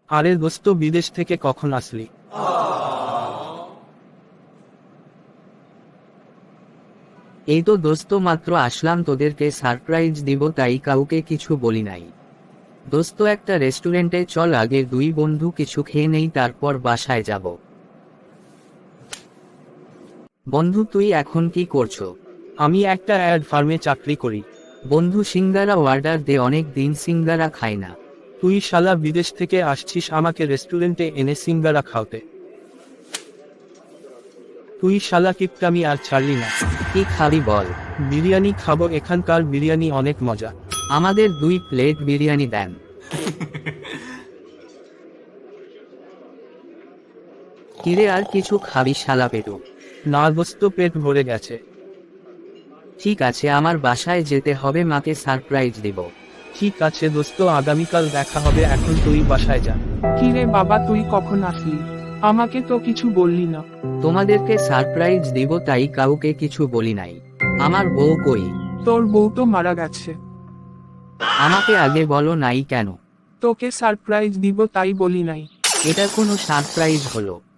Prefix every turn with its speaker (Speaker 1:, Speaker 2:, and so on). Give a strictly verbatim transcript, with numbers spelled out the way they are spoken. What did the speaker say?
Speaker 1: আরে দোস্ত, বিদেশ থেকে কখন আসলি?
Speaker 2: এই তো দোস্ত মাত্র আসলাম, তোদেরকে সারপ্রাইজ দিব তাই কাউকে কিছু বলি নাই। দোস্ত একটা রেস্টুরেন্টে চল, আগে দুই বন্ধু কিছু খেয়ে নেই তারপর বাসায় যাব। বন্ধু তুই এখন কি করছো?
Speaker 1: আমি একটা অ্যাড ফার্মে চাকরি করি।
Speaker 2: বন্ধু সিঙ্গারা অর্ডার দে, অনেক দিন সিঙ্গারা খাই না।
Speaker 1: তুই শালা বিদেশ থেকে আসছিস আমাকে রেস্টুরেন্টে এনে সিঙ্গারা খাওয়াতে? তুই শালা কিপটামি আর ছাড়লি না।
Speaker 2: কি খাবি বল?
Speaker 1: বিরিয়ানি খাবো, এখানকার বিরিয়ানি অনেক মজা।
Speaker 2: আমাদের দুই প্লেট বিরিয়ানি দেন। কিরে আর কিছু খাবি শালা পেটু?
Speaker 1: না দোস্ত, পেট ভরে গেছে।
Speaker 2: ঠিক আছে, আমার বাসায় যেতে হবে, মাকে সারপ্রাইজ দিব।
Speaker 1: ঠিক আছে দোস্ত, আগামীকাল দেখা হবে, এখন তুই বাসায় যা।
Speaker 3: কি রে বাবা, তুই কখন আসলি? আমাকে তো কিছু বললি না।
Speaker 2: তোমাদেরকে সারপ্রাইজ দিব তাই কাউকে কিছু বলি নাই। আমার বউ কই?
Speaker 3: তোর বউ তো মারা গেছে।
Speaker 2: আমাকে আগে বলো নাই কেন?
Speaker 3: তোকে সারপ্রাইজ দিব তাই বলি নাই।
Speaker 2: এটা কোনো সারপ্রাইজ হলো?